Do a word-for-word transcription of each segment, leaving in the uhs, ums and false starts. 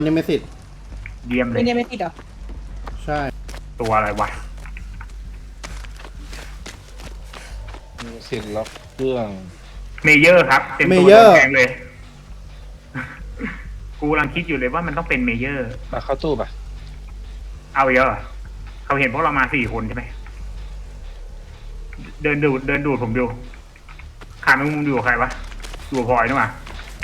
นี่ไม่ติดเยี่ยมเลยไม่ได้ไม่ติดหรอใช่ตัวอะไรวะมีสิทธิ์ล็อกเครื่องเมเยอร์ครับเต็มตัวแพงเลยกูกำลังคิดอยู่เลยว่ามันต้องเป็นเมเยอร์มาเข้าตู้ป่ะเอาเยอะเขาเห็นพวกเรามาสี่คนใช่ไหมเดินดูดเดินดูดผมดูขาไม่มุมดูใครวะดูพลอยนึกว่า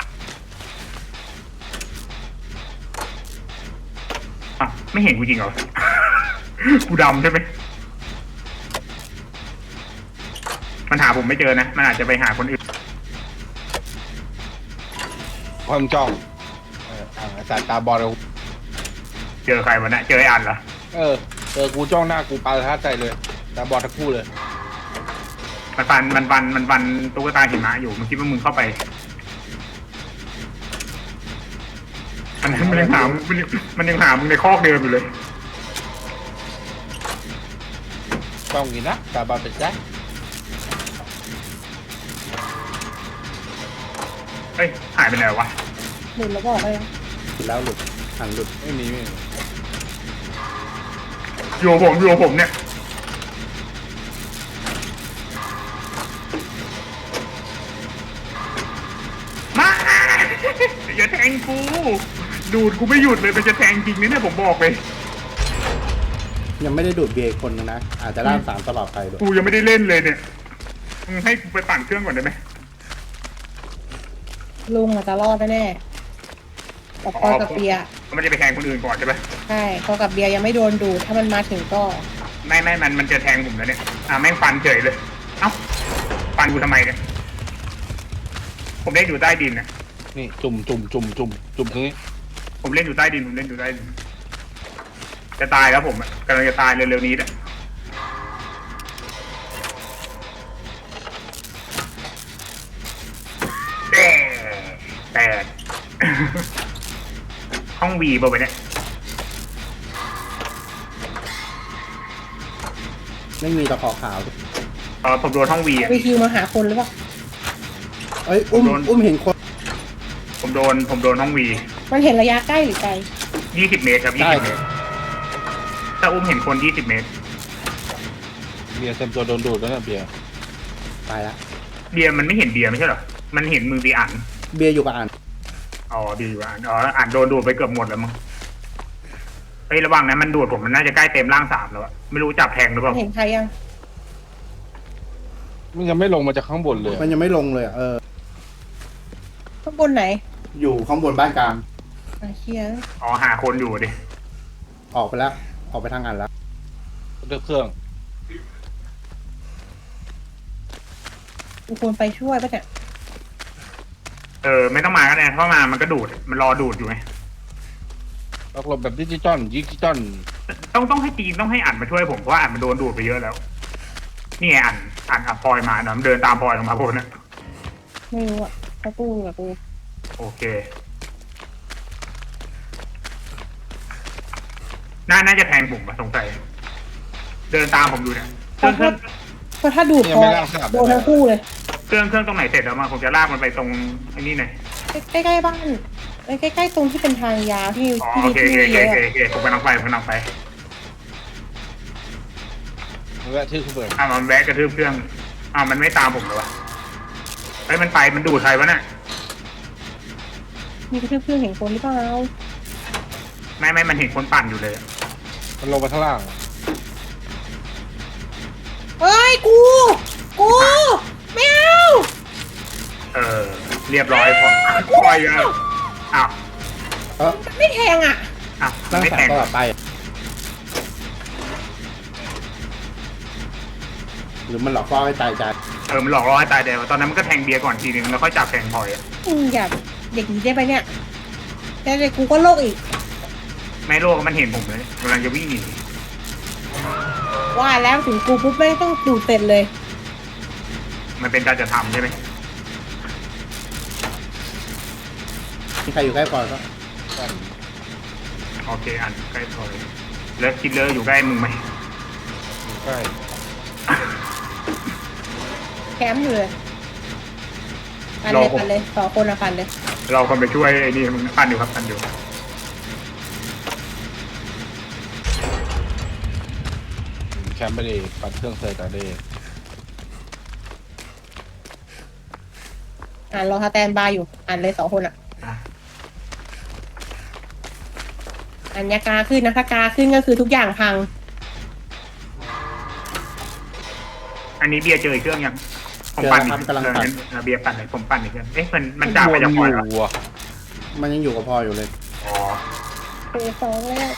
อ่ะไม่เห็นกูจริงเหรอกูดำใช่ไหมมันหาผมไม่เจอนะมันอาจจะไปหาคนอื่นความจ้องเออสายตาบอลเราเจอใครวะเนี่ยเจอไอ้อันเหรอเออเจอกูจ้องหน้ากูปาท่าใจเลยตาบอลทั้งคู่เลยมันฟันมันฟันมันฟันตุ๊กตาหิมะอยู่มันคิดว่ามึงเข้าไปมันมันยังหามันมันยังหามึงในคอกเดิมอยู่เลยจ้องกินนะตาบอลเป็นแจ๊คเฮ้ยหายไปไหนวะหลุดแล้วบอกเลยหลุดแล้วหลุดหันหลุดไม่มีไม่มีโยผมโยผมเนี่ยมาอย่าแทงกูดูดกูไม่หยุดเลยมันจะแทงจริงเนี่ยผมบอกเลยยังไม่ได้ดูดเบียร์คนนึงนะอาจจะล่ามสามตลอดไปด้วยกูยังไม่ได้เล่นเลยเนี่ยมึงให้กูไปปั่นเครื่องก่อนได้ไหมลุงอาจจะรอดแน่แต่พอกับเบียร์มันจะไปแทงคนอื่นก่อนใช่ไหมใช่พอกับเบียร์ยังไม่โดนดูถ้ามันมาถึงก็ไม่ไม่มันมันจะแทงผมแล้วเนี่ยอ่าแม่งฟันเฉยเลยเอ้าฟันกูทำไมเนี่ยผมเล่นอยู่ใต้ดินเนี่ยนี่จุ่มจุ่มจุ่มจุ่มจุ่มตรงนี้ผมเล่นอยู่ใต้ดินผมเล่นอยู่ใต้ดินจะตายแล้วผมกำลังจะตายเร็วๆนี้แหละแต่แต่ห้องวีป่ะวะเนี่ยไม่มีตะขอขาวเออผมโดนห้องวีวีคิวมาหาคนหรือเปล่าเอ้ยอุ้มอุ้มเห็นคนผมโดนผมโดนห้องวีมันเห็นระยะใกล้หรือไกลยี่สิบเมตรครับยี่สิบเมตรถ้าอุ้มเห็นคนยี่สิบเมตรเบียร์เต็มตัวโดนดูดแล้วนะเบียร์ตายละเบียร์มันไม่เห็นเบียร์ไม่ใช่เหรอมันเห็นมือบีอ่านเบียร์อยู่กับอ่านอ๋อเบียร์อยู่อ่านอ๋ออ่านโดนดูดไปเกือบหมดแล้วมั้งเฮ้ยระวังนะมันดูดผมมันน่าจะใกล้เต็มร่างสามแล้วอะไม่รู้จับแทงหรือเปล่าเห็นใครยังมันยังไม่ลงมาจากข้างบนเลยมันยังไม่ลงเลยเออข้างบนไหนอยู่ข้างบนบ้านกลางเชียร์อ๋อหาคนอยู่ดิออกไปแล้วออกไปทางงานแล้วเลือกเครื่องกูควรไปช่วยป่ะเนี่ยเออไม่ต้องมาก็ได้เพราะมามันก็ดูดมันรอดูดอยู่ไงล็อกลมแบบดิจิตอลดิจิตอลต้องต้องให้จีนต้องให้อ่านมาช่วยผมเพราะว่าอ่านมันโดนดูดไปเยอะแล้วนี่ไงอ่านอ่านอ่ะพลอยมาเนาะเดินตามพลอยลงมาพวกนั้นไม่รู้อ่ะเขาตู้กับกูโอเคน่าน่าจะแทงผมอะสงสัยเดินตามผมดูเนี่ยเครื่องเครื่องเพราะถ้าดูดพอโดนทั้งคู่เลยเครื่องเครื่องตรงไหนเสร็จแล้วมาผมจะลากมันไปตรงไอ้นี่หน่อยใกล้ๆบ้านใกล้ๆตรงที่เป็นทางยาวที่ที่มีที่เยอะโอเคผมกำลังไปผมกำลังไปแวะทื่อเพื่อนอ่ะมันแวะกระทืบเครื่องอ่ะมันไม่ตามผมเลยวะเฮ้ยมันไปมันดูดใครวะเนี่ยมีกระทืบเครื่องเห็นคนหรือเปล่าไม่ไม่มันเห็นคนปั่นอยู่เลยมันลงไปข้างล่างเฮ้ยกูกูไม่เอาเออเรียบร้อยพอปล่อยอ่ะอ้าวเออไม่แทงอ่ะอ้าวร่างไม่สาแทงตลอดไปหรือมันหลอกล่อให้ตายใจเออมันหลอกล่อให้ตายแต่ตอนนั้นมันก็แทงเบียร์ก่อนทีนึงแล้วค่อยจับแทงพลอยอ่ะอืมอยากเด็กนี้ได้ไปเนี่ยแต่เด็กกูก็โลกอีกไม่โลกมันเห็นผมเลยกำลังจะวิ่งหนีว่าแล้วถึงกูปุ๊บไม่ต้องดูเต็มเลยมันเป็นการจะทำใช่ไหมมีใครอยู่ใกล้พอก็โอเคอันใกล้พอเลยแล้วคิดเลอร์อยู่ใกล้มึงไหมใกล้แคมป์อยู่เลยปันเลยปันเลยสองคนละปันเลยเราคนไปช่วยไอ้นี่มึงปันอยู่ครับปันอยู่แคมป์ไปดิปัดเครื่องเซอร์ตาเดอ่านรอสแตนบายอยู่อ่านเลยสองคนอ่ะอ่ะอันยากาขึ้นนะถ้ากาขึ้นก็คือทุกอย่างพังอันนี้เบียร์เจออีกเครื่องยังผมปั่นอีกเครื่องนึงเออเบียร์ปั่นเลยผมปั่นอีกเครื่องเอ๊ะมันมันจ่าไปจากพอยแล้ววัวมันยังอยู่กับพออยู่เลยอ๋อเฟสสองแล้ว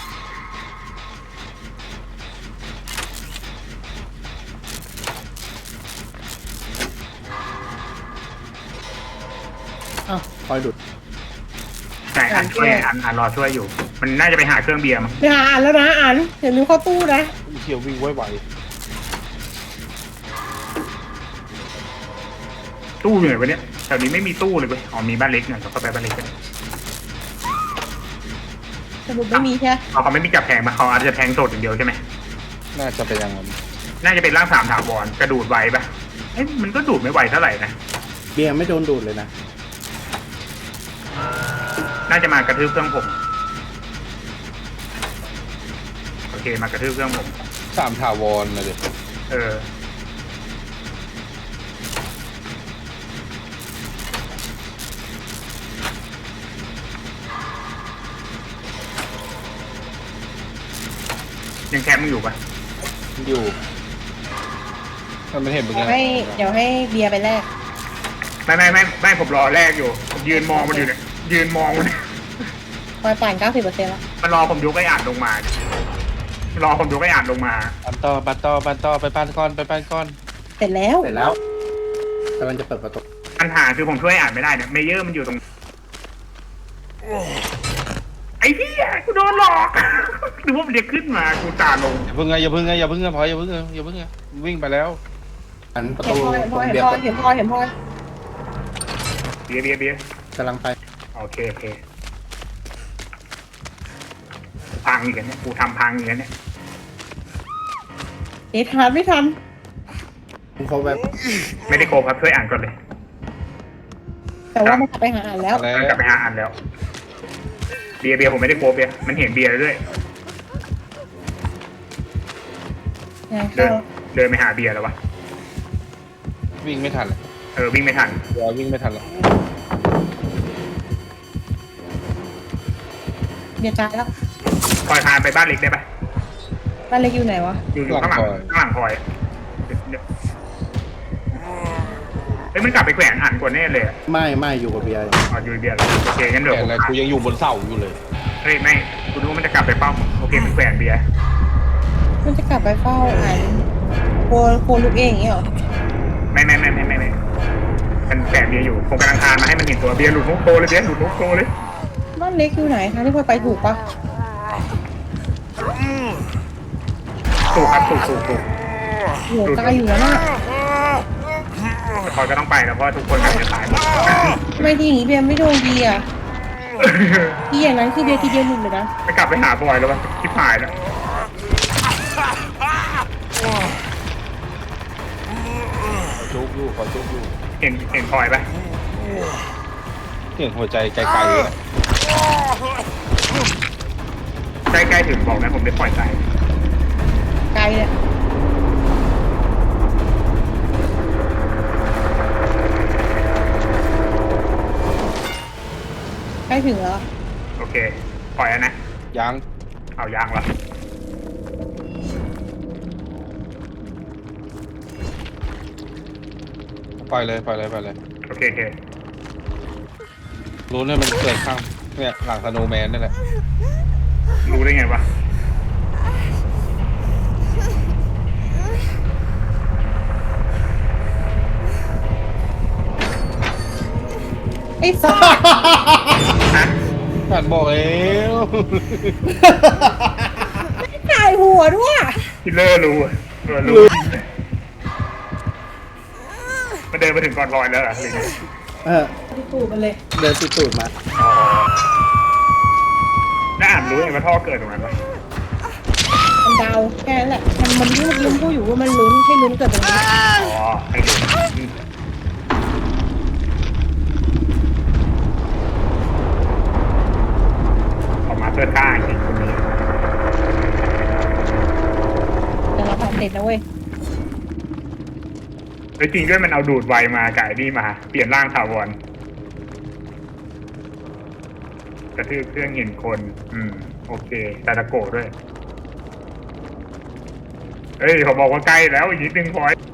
อ้าวคอยดูดใช่อันช่วยอันอันรอช่วยอยู่ มันน่าจะไปหาเครื่องเบียร์มั้งไปหาอ่านแล้วนะอ่านเดี๋ยวนึกเข้าตู้นะเขียววิ่งไว้ไหวตู้อยู่ไหนวะเนี่ยแถวนี้ไม่มีตู้เลยเว้ยอ๋อมีบ้านเล็กหน่อยเราก็ไปบ้านเล็กกันสรุปไม่มีใช่ไหมเขาเขาไม่มีจับแทงมาเขาอาจจะแทงสดอย่างเดียวใช่ไหมน่าจะเป็นอย่างนั้นน่าจะเป็นร่างสามถาวรกระดูดไวปะเอ๊ะมันก็ดูดไม่ไหวเท่าไหร่นะเบียร์ไม่โดนดูดเลยนะน่าจะมากระทืบเครื่องผมโอเคมากระทืบเครื่องผมสามถาวรนะเด็กเออยังแคมป์มึงอยู่ปะอยู่มันไม่เห็นเป็นเดี๋ไงยวให้เดี๋ยวให้เบียร์ไปแลกไม่ไม่ไม่ไม่ผมรอแรกอยู่ผมยืนมองมันอยู่เนี่ยยืนมองมันเนี่ยคอยปั่นเก้าสิบเปอร์เซ็นต์แล้วมันรอผมยกไอ้อ่านลงมาเนี่ยรอผมยกไอ้อ่านลงมาปันต่อปันต่อปันต่อไปปันก้อนไปปันก้อนเสร็จแล้วเสร็จแล้วกำลังจะเปิดประตูปัญหาคือผมช่วยอ่านไม่ได้เนี่ยเมเยอร์มันอยู่ตรงไอ้พี่อ่ะกูโดนหลอกดูว่ามันจะขึ้นมากูตาลงอย่าเพิ่งไงอย่าเพิ่งไงอย่าเพิ่งไงพออย่าเพิ่งไงอย่าเพิ่งไงวิ่งไปแล้วอันประเห็นตูพลอยเห็นพตลรอยงเห็นเบียร์พลอยเปิดเห็นพลอยเห็นพลอยเบียร์เบียร์เบียร์กำลังไปโอเคโอเคพังอีกแล้วเนี่ยกูทำพังอีกแล้วเนี่ยเอ๊ะทันไม่ทันเขาแบบไม่ได้โกงครับช่วยอ่านก่อนเลยแต่ว่ามันกลับไปหาอ่านแล้วแล้วมันกลับไปหาอ่านแล้ว เบียร์เบียร์ผมไม่ได้โกงเบียร์มันเห็นเบียร์ด้วยงานเดิเข้านเดินไปหาเบียร์แล้ววะวิ่งไม่ทันเลยเออวิ่งไม่ทันเดี๋ยววิ่งไม่ทันหรอกเบียร์ตายแล้วคอยพาไปบ้านเล็กได้ปะบ้านเล็กอยู่ไหนวะอยู่อยู่ข้างหลังข้างหลังคอยเดี๋ยวเฮ้ยมันกลับไปแขวนอ่านกว่าแน่เลยอะไม่ไม่อยู่กับเบียร์อ๋ออยู่เบียร์แล้วโอเคงั้นเดี๋ยวแต่ผมอะไรกูยังอยู่บนเสาอยู่เลยเฮ้ยไม่กูรู้ว่ามันจะกลับไปเป้าโอเคมันแขวนเบียร์มันจะกลับไปเฝ้าอ่านโคโคลูกเองอย่างเงี้ยเหรอไม่ไม่ไม่ไม่ไม่ไม่มันแขวนเบียร์อยู่ผมกำลังคานมาให้มันเห็นตัวเบียร์หลุดนกโตเลยเบียร์หลุดนกโตเลยบ้านเล็กอยู่ไหนคะที่พลอยไปถูกปะถูกครับถูกถูกถูกโหไกลอยู่แล้วน่ะคอยก็ต้องไปแล้วเพราะทุกคนกำลังจะตายหมดทำไมทีนี้เบียร์ไม่โดนเบียร์ทีอย่างนั้นคือเบียร์ทีเดียวหลุดเลยนะไปกลับไปหาบอยแล้ววะทิพายแล้วขอจุกอยู่ขอจุกอยู่เห็นเห็นพลอยปะเสียงหัวใจไกลๆเลยนะใกล้ๆถึงบอกนะผมได้ปล่อยใจไกลเลยใกล้ถึงแล้วโอเคปล่อยแล้วนะยังเอายางละปล่อยเลยปล่อยเลยปล่อยเลยโอเคโอเครู้เนี่ยมันเกิดข้างเนี่ยหลังสโนว์แมนนี่แหละรู้ได้ไงวะไอ้สัสฮะผ่านบอกแล้วถ่ายหัวด้วยคิลเลอร์รู้อะเออรู้มันเดินมาถึงก่อนลอยแล้วเหรอหรือไงเออที่ตูดมันเลยเดินติดตูดมาอ๋อแล้วอ่านรู้ไงว่าท่อเกิดตรงนั้นปะมันเดาแค่นั้นแหละ มันมันรู้ลุ้นพูดอยู่ว่ามันลุ้นให้ลุ้นเกิดตรงนี้อ๋อให้ดูอืมออกมาเพื่อฆ่าจริงคนนี้แต่เราผ่านเด็ดนะเว้ยแล้วจริงด้วยมันเอาดูดไวมากับไอ้นี่มา เปลี่ยนร่างถาวรกระทืบเครื่องเห็นคน อืม โอเคตาตะโกะด้วย เฮ้ยเขาบอกว่าใกล้แล้วอีกนิดนึงพอย